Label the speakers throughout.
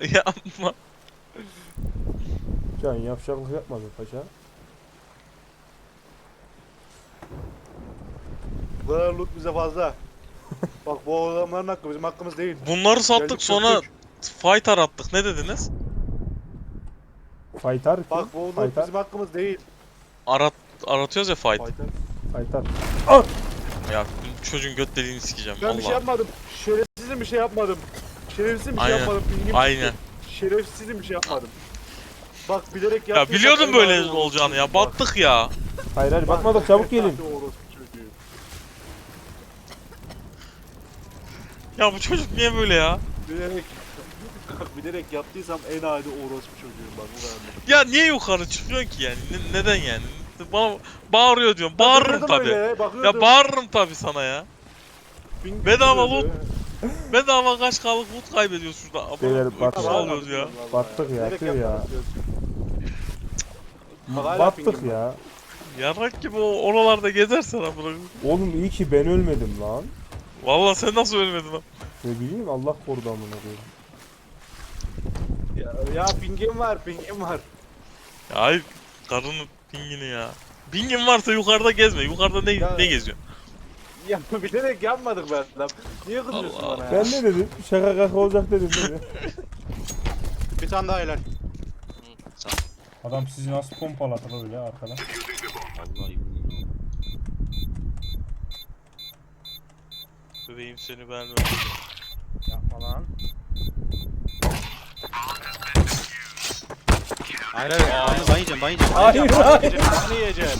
Speaker 1: Yapma.
Speaker 2: Can yavşaklık yapmadın paşa.
Speaker 3: Bu kadar loot bize fazla. Bak bu adamların hakkı bizim hakkımız değil.
Speaker 1: Bunları sattık
Speaker 3: Geldik
Speaker 1: sonra
Speaker 3: çöktük.
Speaker 1: fighter attık. Ne dediniz?
Speaker 2: Faytar kim?
Speaker 3: Bak bu loot
Speaker 2: Faytar.
Speaker 3: bizim hakkımız değil.
Speaker 1: Aratıyoruz ya fight.
Speaker 3: Faytar.
Speaker 2: Faytar.
Speaker 1: Ya çocuğun göt deliğini sikeceğim.
Speaker 3: Ben bir şey
Speaker 1: Allah.
Speaker 3: yapmadım. Şerefsizim bir şey yapmadım. Şerefsizim bir şey
Speaker 1: Aynen.
Speaker 3: yapmadım. Pingim
Speaker 1: Aynen.
Speaker 3: çıktı. Şerefsizim bir şey yapmadım. Bak bilerek
Speaker 1: Ya
Speaker 3: yaptıysam
Speaker 1: biliyordum
Speaker 3: en
Speaker 1: böyle
Speaker 3: ağır
Speaker 1: olacağını ya.
Speaker 3: Bak.
Speaker 1: Battık ya.
Speaker 2: Hayır hayır bakmadık çabuk gelin.
Speaker 3: Hadi orospu çocuğu.
Speaker 1: Ya bu çocuk niye böyle ya?
Speaker 3: Bilerek bilerek yaptıysam en adi orospu çocuğuyum bak bu kadar.
Speaker 1: Ya niye yukarı çıkıyorsun ki yani? Neden yani? Bana bağırıyor diyorum. Bağırırım
Speaker 3: Bakıyordum
Speaker 1: tabi.
Speaker 3: öyle, bakıyordum.
Speaker 1: Ya bağırırım tabi sana ya.
Speaker 3: Ping
Speaker 1: bedava
Speaker 3: çıkıyordu.
Speaker 1: Bedava kaç kalık loot kaybediyoruz şurada.
Speaker 2: Beyler,
Speaker 1: Ama
Speaker 2: bak-
Speaker 1: uykusu alıyoruz ya.
Speaker 2: Battık ya,
Speaker 3: Bilerek
Speaker 2: tüh ya.
Speaker 3: yapmadım diyorsun. Bak hala
Speaker 2: Battık
Speaker 3: pingim var.
Speaker 2: ya.
Speaker 1: Yarrak gibi oralarda gezersen amına.
Speaker 2: Oğlum iyi ki ben ölmedim lan.
Speaker 1: Vallahi sen nasıl ölmedin lan?
Speaker 2: Ne bileyim Allah korudu amına koyayım.
Speaker 3: Ya pingim var, pingim var.
Speaker 1: Ya hayır karının pingini ya. Pingin varsa yukarıda gezme. Yukarıda
Speaker 3: Ya-
Speaker 1: ne geziyor?
Speaker 3: Ya bilerek yapmadık be adam. Niye kızıyorsun
Speaker 1: Allah
Speaker 3: bana ya?
Speaker 2: Ben ne dedim? Şaka kaka olacak dedim değil mi?
Speaker 3: Bir tane daha helal.
Speaker 2: Adam sizi nasıl pompaladı öyle arkadan?
Speaker 4: Vallahi
Speaker 1: Bebeğim seni ben
Speaker 5: Yapma lan.
Speaker 4: hayır hayır ben yiyeceğim ben yiyeceğim.
Speaker 2: Hayır hayır.
Speaker 3: Ne yiyeceğim?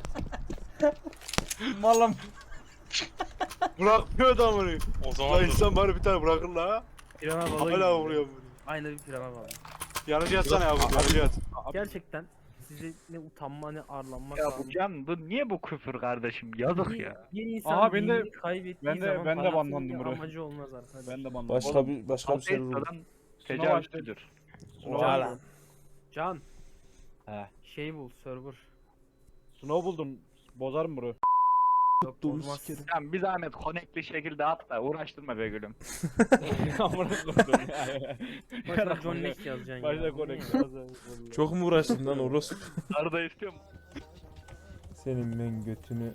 Speaker 2: Malım.
Speaker 3: Bırakmıyor da bunu.
Speaker 1: O zaman
Speaker 3: Lan
Speaker 1: dur.
Speaker 3: insan bari bir tane bırakır la.
Speaker 5: Pirana balığı
Speaker 3: Hala
Speaker 5: gibi.
Speaker 3: vuruyor bunu.
Speaker 5: Aynı bir pirana balığı.
Speaker 3: Yanıcı yatsana ya bu yanıcı yat.
Speaker 5: Gerçekten size ne utanma ne arlanma
Speaker 6: Ya
Speaker 5: kaldı.
Speaker 6: bu Can bu niye bu küfür kardeşim? Yazık ya.
Speaker 5: Bir insan
Speaker 7: Aha, ben de-
Speaker 5: dinini kaybettiği zaman
Speaker 7: ben de
Speaker 5: parasının
Speaker 7: banlandım
Speaker 5: bir
Speaker 7: buraya.
Speaker 5: amacı olmaz arkadaş.
Speaker 7: Ben de bandım.
Speaker 2: Başka bir şey vurdu.
Speaker 6: Ateista'dan
Speaker 7: Sınav
Speaker 6: tecavüzcüdür.
Speaker 5: Can. Can.
Speaker 7: He.
Speaker 5: Şey bul server.
Speaker 7: Snow buldum. Bozarım burayı.
Speaker 5: Yok olmaz.
Speaker 6: Sen bir zahmet connectli şekilde at da uğraştırma be gülüm.
Speaker 7: Amına koydum ya.
Speaker 5: Başına John Wick yazacaksın
Speaker 7: Başta
Speaker 5: ya.
Speaker 7: connect.
Speaker 2: Çok mu uğraştın lan orospu?
Speaker 6: Arada istiyor mu?
Speaker 2: Senin ben götünü.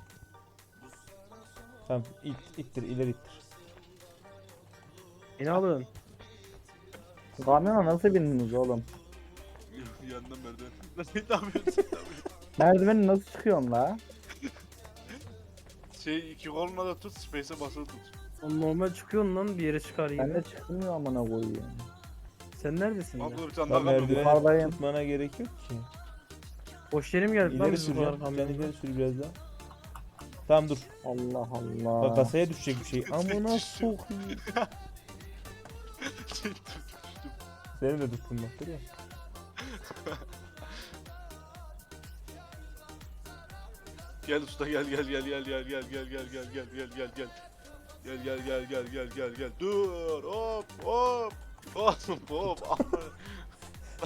Speaker 2: Tamam ittir ileri ittir.
Speaker 5: Beni alın.
Speaker 8: Kamyona nasıl bindiniz oğlum?
Speaker 3: Yanından merdiven. Lan ne yapıyorsun?
Speaker 8: Merdiveni nasıl çıkıyorsun la?
Speaker 3: Şey iki koluna da tut, space'e basılı tut.
Speaker 5: Oğlum normal çıkıyorsun lan bir yere çıkar
Speaker 8: Ben
Speaker 5: yine.
Speaker 8: de çıkmıyor amına koyayım.
Speaker 5: Sen neredesin ya?
Speaker 3: Abla bir tane
Speaker 2: Lan
Speaker 3: daha kapı.
Speaker 2: merdiveni
Speaker 8: Yukarıdayım.
Speaker 2: tutmana gerek yok ki.
Speaker 5: Boş yerim geldi lan
Speaker 2: İleri
Speaker 5: bizim
Speaker 2: süreceğim.
Speaker 5: yukarı
Speaker 2: Ben
Speaker 5: kamyonda.
Speaker 2: ileri sür biraz daha. Tamam dur.
Speaker 8: Allah
Speaker 2: Bak
Speaker 8: Allah.
Speaker 2: kasaya düşecek bir şey. Amına sokayım. Seni de tuttum bak görüyor musun?
Speaker 3: Gel usta gel gel gel gel gel gel gel gel gel gel gel gel gel. Gel gel gel gel gel gel gel. Dur hop hop. Hop hop. Bak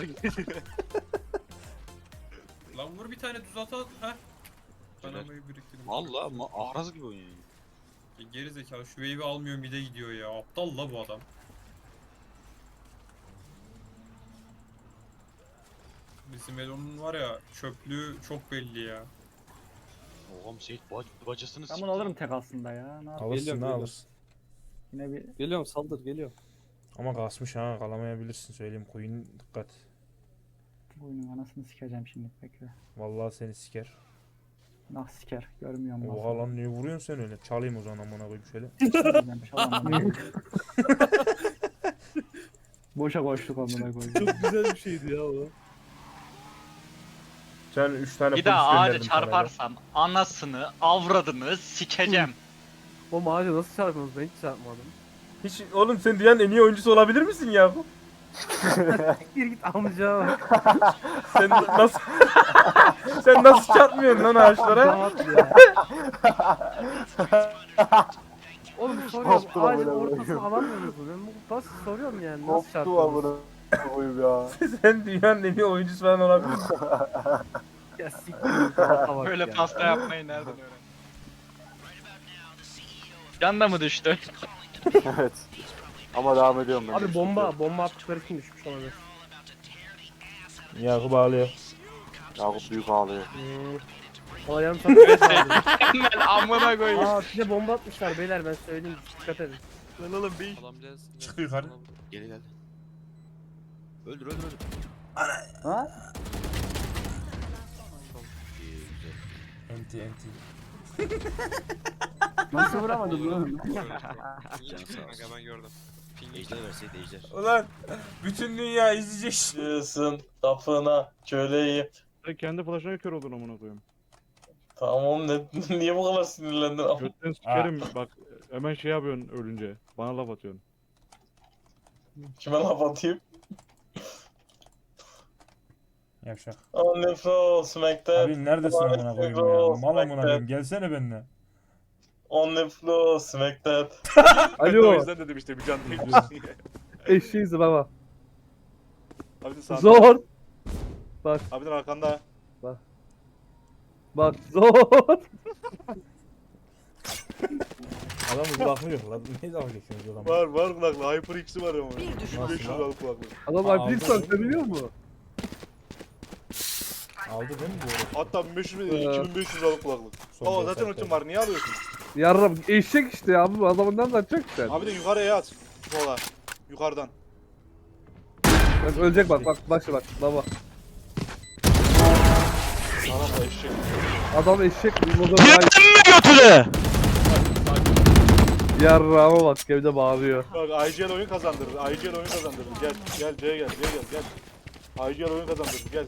Speaker 9: Lan vur bir tane düz ata ha. Kanamayı biriktirdim.
Speaker 4: Valla ahraz gibi oynuyor.
Speaker 9: Geri zekalı şu wave'i almıyor mide gidiyor ya. Aptal la bu adam. Bizim Elon'un var ya çöplüğü çok belli ya.
Speaker 4: Oğlum Seyit bacasını
Speaker 8: Ben bunu alırım tek aslında ya. Ne yapayım?
Speaker 2: Alırsın
Speaker 7: Geliyorum,
Speaker 2: ne
Speaker 7: geliyorum.
Speaker 2: alırsın.
Speaker 8: Yine bir
Speaker 7: Geliyorum saldır geliyor.
Speaker 2: Ama kasmış ha kalamayabilirsin söyleyeyim koyun dikkat.
Speaker 8: oyunun anasını sikeceğim şimdi bekle.
Speaker 2: Vallahi seni siker.
Speaker 8: Nah siker görmüyorum.
Speaker 2: Oha lan niye vuruyorsun sen öyle? Çalayım o zaman amına koyayım şöyle.
Speaker 8: Boşa koştuk amına koyayım.
Speaker 5: Güzel bir şeydi ya o.
Speaker 2: Sen 3 tane
Speaker 6: Bir daha ağaca çarparsam anasını avradını sikeceğim.
Speaker 5: O ağaca nasıl çarpıyorsunuz ben hiç çarpmadım.
Speaker 2: Hiç oğlum sen dünyanın en iyi oyuncusu olabilir misin ya?
Speaker 5: Gir git amca bak.
Speaker 2: Sen nasıl sen nasıl çarpmıyorsun lan ağaçlara?
Speaker 5: Rahat ya. Oğlum soruyorum ağacın ortasını alamıyor musun? Ben bu basit soruyorum yani nasıl çarpıyorsunuz?
Speaker 8: koyayım ya.
Speaker 2: Sen dünyanın en iyi oyuncusu falan olabilirsin.
Speaker 5: Ya siktir bak
Speaker 6: Böyle
Speaker 5: ya.
Speaker 6: pasta yapmayı nereden öğrendin? Can da mı düştü?
Speaker 8: Evet.
Speaker 3: Ama devam ediyorum ben.
Speaker 5: Abi bomba attıkları için düşmüş olabilir.
Speaker 2: Yakup ağlıyor.
Speaker 3: Yakup büyük ağlıyor.
Speaker 5: Valla yarım saat önce aldım.
Speaker 6: Ben amına koyayım.
Speaker 5: Aa size bomba atmışlar beyler ben söyleyeyim dikkat edin.
Speaker 6: Lan oğlum bir.
Speaker 2: Çık yukarı.
Speaker 4: Gel gel. Öldür.
Speaker 8: Ha?
Speaker 2: Enti.
Speaker 8: Nasıl vuramadın lan?
Speaker 4: Canı sağ olsun.
Speaker 9: Ben gördüm.
Speaker 4: Ejder verseydi ejder.
Speaker 2: Ulan bütün dünya izleyecek. Diyorsun kapına köleyim.
Speaker 7: Sen kendi flash'ına kör oldun amına koyayım.
Speaker 2: Tamam niye bu kadar sinirlendin?
Speaker 7: Götten sikerim bak hemen şey yapıyorsun ölünce. Bana laf atıyorsun.
Speaker 2: Kime laf atayım? Yavşak. On the floor smackdown.
Speaker 10: Abi neredesin amına koyayım ya? Mal amına koyayım. Gelsene benimle.
Speaker 2: On the floor smackdown.
Speaker 3: Ben de o yüzden dedim işte bir can değil.
Speaker 5: Eşeğiz baba.
Speaker 3: Abi de sağda.
Speaker 5: Zor.
Speaker 3: Abi de arkanda.
Speaker 5: Bak zor.
Speaker 2: Adamın kulaklığı yok lan. Ne zaman geçiyorsunuz adamı?
Speaker 3: Var kulaklı. Hyper X'i var ama.
Speaker 11: Bir düşman
Speaker 2: Nasıl
Speaker 3: 500
Speaker 2: lan?
Speaker 3: liralık kulaklı.
Speaker 5: Adam
Speaker 2: Aa,
Speaker 5: Alplik
Speaker 2: aldı.
Speaker 5: sen biliyor musun?
Speaker 2: Aldı değil mi bu?
Speaker 3: Hatta 1500 2500 liralık kulaklık.
Speaker 2: Son
Speaker 3: Zaten
Speaker 2: dört
Speaker 3: ultim var. Niye alıyorsun?
Speaker 5: Yarram eşek işte ya bu adamından kaçacak sen.
Speaker 3: Abi de yukarıya at. Sola. Yukarıdan.
Speaker 5: Bak ölecek bak bak baba.
Speaker 3: Adam da eşek.
Speaker 5: Adam eşek moda
Speaker 1: Yedin mi götüne?
Speaker 5: yarrama bak evde bağırıyor.
Speaker 3: Bak IGL oyun kazandırır. IGL oyun kazandırır. Gel C'ye gel. IGL oyun kazandırır. Gel.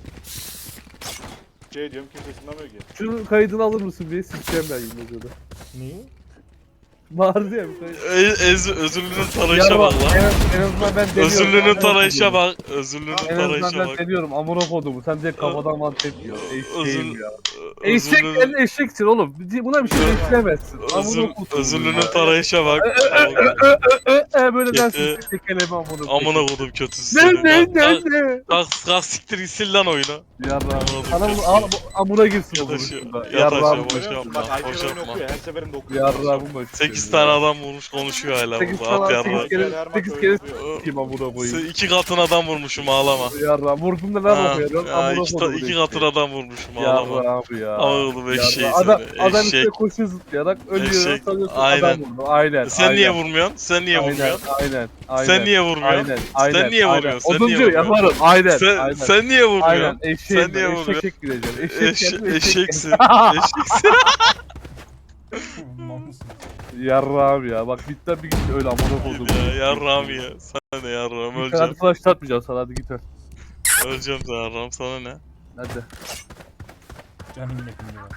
Speaker 3: C diyorum kimse ısınamıyor ki.
Speaker 5: Şunun kaydını alır mısın diye sikeceğim ben Yılmaz'ı.
Speaker 2: Neyi?
Speaker 5: Bağırdı ya bir kayıt.
Speaker 1: Özürlünün tarayışa bak lan.
Speaker 5: En azından ben deniyorum.
Speaker 1: Özürlünün tarayışa bak. Özürlünün
Speaker 5: En azından
Speaker 1: tarayışa
Speaker 5: ben
Speaker 1: bak.
Speaker 5: deniyorum amına kodumu sen de kafadan mantık diyor. Eşeğim ya. Eşek
Speaker 1: Özürlünün
Speaker 5: sen eşeksin oğlum. Buna bir şey bekleyemezsin. Amına kodum.
Speaker 1: Özürlünün tarayışa bak.
Speaker 5: Böyle dersin
Speaker 1: Ee,
Speaker 5: tekeleme amına kodum.
Speaker 1: Amına kodum kötüsü
Speaker 5: Ne
Speaker 1: seni.
Speaker 5: ne?
Speaker 1: Kalk siktir gitsin lan oyuna.
Speaker 5: Yarrağım.
Speaker 1: Amına
Speaker 5: Sana
Speaker 1: kodum
Speaker 5: bunu al
Speaker 1: kötüsü.
Speaker 5: amına girsin o
Speaker 1: Yat aşağı,
Speaker 5: vuruşunda.
Speaker 1: yat
Speaker 5: Yarrağım.
Speaker 1: aşağı, boş
Speaker 3: Görüyor musun?
Speaker 1: yapma,
Speaker 3: Bak
Speaker 1: boş
Speaker 3: IGL oyunu
Speaker 1: yapma.
Speaker 3: okuyor. Her seferinde okuyor.
Speaker 5: Yarrağımın başı.
Speaker 1: 8 tane adam vurmuş konuşuyor hala
Speaker 5: 8
Speaker 1: burada. At
Speaker 5: tane
Speaker 1: yarra.
Speaker 5: 8 kere s**eyim amına koyayım.
Speaker 1: 2 katın adam vurmuşum ağlama.
Speaker 5: Yarrağım vurdum da ne yapıyorsun? Amına kodum.
Speaker 1: 2 katın adam vurmuşum ağlama.
Speaker 5: Yarrağım ya.
Speaker 1: Oğlum eşeği
Speaker 5: Adam
Speaker 1: seni.
Speaker 5: üstüne
Speaker 1: Eşek.
Speaker 5: koşuyor zıplayarak ölüyor.
Speaker 1: Eşek.
Speaker 5: Sanıyorsun
Speaker 1: Aynen.
Speaker 5: adam vurdu. Aynen.
Speaker 1: Sen niye vurmuyorsun? Sen niye vurmuyorsun?
Speaker 5: Aynen.
Speaker 1: Sen niye vurmuyorsun?
Speaker 5: Aynen. Aynen.
Speaker 1: Sen niye
Speaker 5: aynen.
Speaker 1: vuruyorsun? Sen niye
Speaker 5: Oduncu
Speaker 1: vuruyorsun?
Speaker 5: yaparım. Aynen.
Speaker 1: Sen, sen niye
Speaker 5: Aynen.
Speaker 1: vurmuyorsun?
Speaker 5: Eşeğim
Speaker 1: Sen niye
Speaker 5: ben.
Speaker 1: vuruyorsun?
Speaker 5: Eşek gireceğim. Eşek
Speaker 1: Eşeksin. Eşeksin.
Speaker 10: Mal mısın?
Speaker 5: Yarrağım ya. Bak bitten bir git öyle amına kodum.
Speaker 1: Ya yarram ya. Sana ne yarram
Speaker 5: Hadi
Speaker 1: öleceğim.
Speaker 5: flash atmayacağım sana hadi git öl.
Speaker 1: Öleceğim sana yarram sana ne?
Speaker 5: Hadi.
Speaker 10: Canım yedim ya.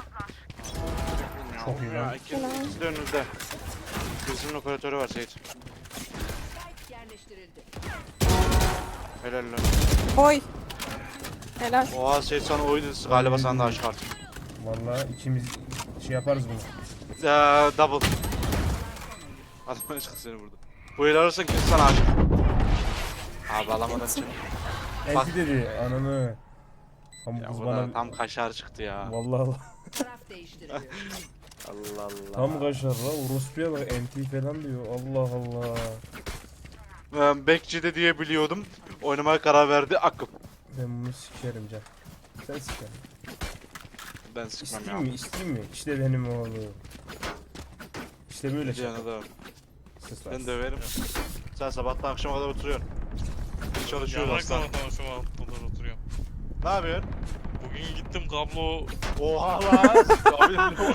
Speaker 10: Çok iyi lan.
Speaker 3: İkisi de önünüzde. Birisinin operatörü var Seyit.
Speaker 11: yerleştirildi.
Speaker 3: Helal lan.
Speaker 11: Oy. Helal.
Speaker 3: Oha Seyit sana oydu galiba sana da aşık artık.
Speaker 10: Vallahi ikimiz şey yaparız bunu.
Speaker 3: Double. Adam çıktı seni burada. Bu el alırsan kimse sana aşık. Abi alamadan çık. Bak.
Speaker 10: Enti dedi ananı. Tam
Speaker 3: Ya
Speaker 10: kız
Speaker 3: bu
Speaker 10: bana...
Speaker 3: da tam kaşar çıktı ya.
Speaker 10: Vallahi Allah.
Speaker 11: Taraf değiştiriliyor.
Speaker 3: Allah Allah.
Speaker 10: Tam kaşar la. Orospuya bak enti falan diyor. Allah Allah.
Speaker 3: Ben Bekçi'de diye biliyordum. Oynamaya karar verdi akım.
Speaker 10: Ben bunu sikerim can. Sen siker.
Speaker 3: Ben sıkmam
Speaker 10: İsteyeyim
Speaker 3: ya.
Speaker 10: mi? İsteyeyim mi? İşte benim oğlum. İşte böyle şey.
Speaker 3: Canı da.
Speaker 10: Sus lan.
Speaker 3: Ben döverim. Sen sabahtan akşama kadar oturuyorsun. Çalışıyorsun
Speaker 1: Yarrak
Speaker 3: aslan.
Speaker 1: sabahtan akşama kadar oturuyorum.
Speaker 3: Ne yapıyorsun?
Speaker 1: Bugün gittim kablo...
Speaker 3: Oha lan! Abi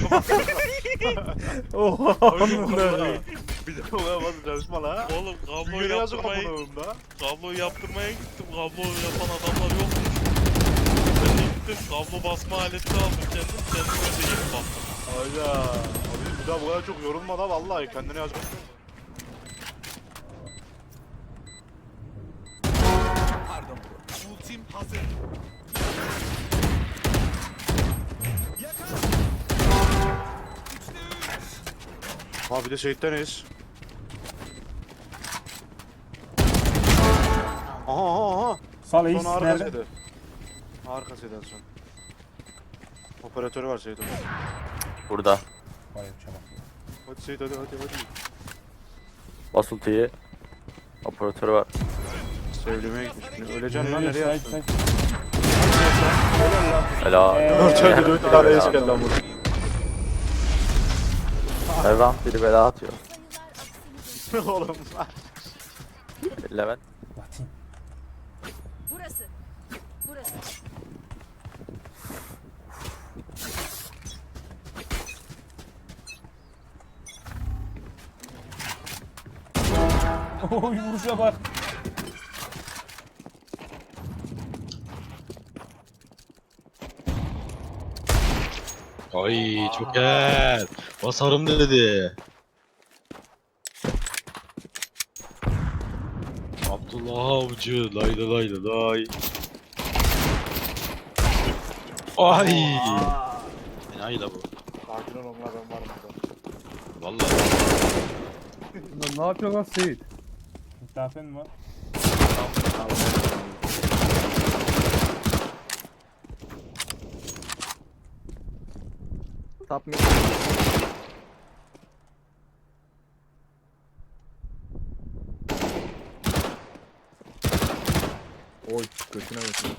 Speaker 10: Oha.
Speaker 3: bir de olamaz çalışma la.
Speaker 1: Oğlum kablo
Speaker 3: Dünyaya yazık
Speaker 1: yaptırmaya...
Speaker 3: amına da.
Speaker 1: Kablo yaptırmaya gittim. Kablo yapan adamlar yokmuş. Ben de gittim kablo basma aleti aldım kendim. Kendime de yeni baktım.
Speaker 3: Hayda. Abi bir daha bu kadar çok yorulma da vallahi kendine yazmak. Abi bir de Seyit'teniz. Aha.
Speaker 10: Sal Ace
Speaker 3: Son
Speaker 10: nerede?
Speaker 3: arkasıydı. Arkasıydı en son. Operatörü var Seyit onun.
Speaker 2: Burada.
Speaker 10: Vay çabuk.
Speaker 3: Hadi Seyit hadi.
Speaker 2: Bas ultiyi. Operatörü var.
Speaker 3: Sevlemeye gitmiş. Öleceksin lan nereye attın?
Speaker 2: Helal.
Speaker 3: Dört 4 tane eş geldi lan burada.
Speaker 2: Her round biri bela atıyor.
Speaker 3: Oğlum.
Speaker 2: Levent.
Speaker 11: Burası. Burası.
Speaker 10: Oy vuruşa bak.
Speaker 4: Ay çok gel. Basarım dedi. Abdullah Avcı lay lay lay lay. Ay. Enayi la bu.
Speaker 3: Sakin ol onlar ben varım burada.
Speaker 4: Vallahi.
Speaker 2: Ne yapıyorsun lan Seyit?
Speaker 10: Misafen mi var?
Speaker 2: Tap mı? Oy götüne götüne.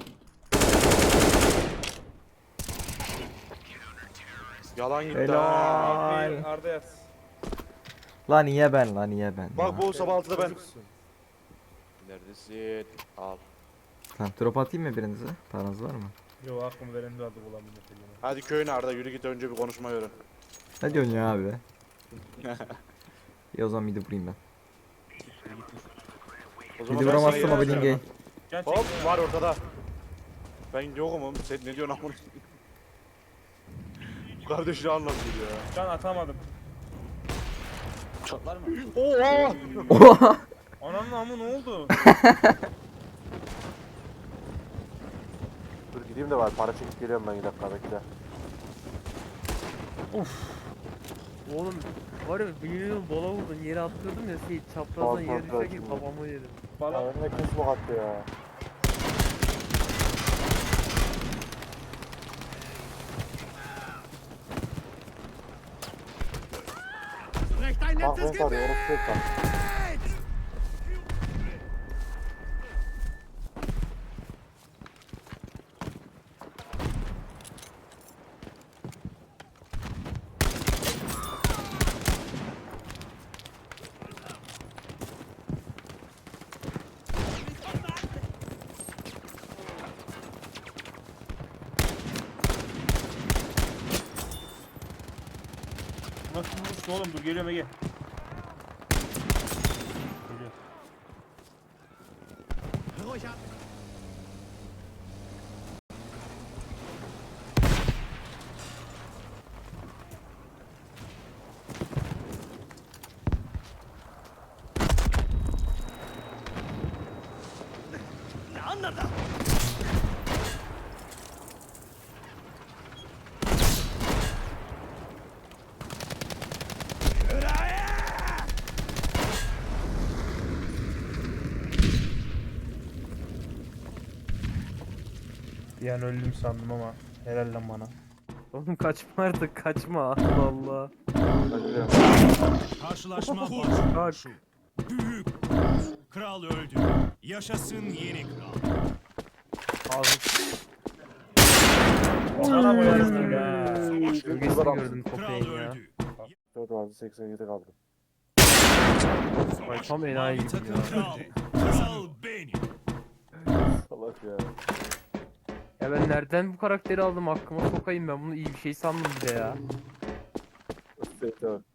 Speaker 3: Yalan gitti.
Speaker 2: Helal.
Speaker 10: Arda yaz.
Speaker 2: Lan niye ben lan niye ben?
Speaker 3: Bak bu sabah 6'da ben. Neredesin? Al.
Speaker 2: Tamam drop atayım mı birinize? Paranız var mı?
Speaker 10: Yo aklım veren de adı bulamıyorum.
Speaker 3: Hadi köyüne Arda yürü git önce bir konuşmayı öğren.
Speaker 2: Ne diyorsun ya abi? İyi o zaman midi vurayım ben.
Speaker 3: O
Speaker 2: Midi
Speaker 3: ben
Speaker 2: vuramazsam
Speaker 3: sana
Speaker 2: o benim gay.
Speaker 3: Hop var ortada. Ben yokum oğlum. Sen ne diyorsun amına? Bu kardeşini anlatıyor ya.
Speaker 10: Can atamadım.
Speaker 4: Çatlar mı?
Speaker 3: Oha!
Speaker 2: Oha!
Speaker 10: Ananın amı ne oldu?
Speaker 3: Dur gideyim de var. Para çekip geliyorum ben 2 dakika bekle.
Speaker 5: Oğlum var ya bilmiyorum bola vurdun yere attırdım ya şey çaprazdan yere düşerken kafamı yedim.
Speaker 10: Bana
Speaker 3: Önüne kes bu hattı ya. Bak ben sarıyor. Orası tek bak.
Speaker 10: nasıl vuruştu oğlum dur geliyorum Ege. Geliyor. Bir an öldüm sandım ama helal lan bana.
Speaker 5: Oğlum kaçma artık kaçma Allah Allah.
Speaker 3: Ben gidiyorum.
Speaker 12: Karşılaşma
Speaker 5: Kalk.
Speaker 12: başlıyor. Büyük kral öldü. Yaşasın yeni kral.
Speaker 5: Ağzım
Speaker 10: Sana koyarsın ya.
Speaker 5: gölgesini gördüm
Speaker 12: Kral
Speaker 5: köpeğin ya.
Speaker 12: öldü.
Speaker 3: 4 vardı 87 kaldı.
Speaker 5: Ay tam enayi
Speaker 12: Mavi
Speaker 5: gibi
Speaker 12: takım
Speaker 5: ya.
Speaker 12: kral. Kral benim.
Speaker 3: Salak ya.
Speaker 5: Ya ben nereden bu karakteri aldım aklıma sokayım ben bunu iyi bir şey sandım bir de ya.
Speaker 3: Evet.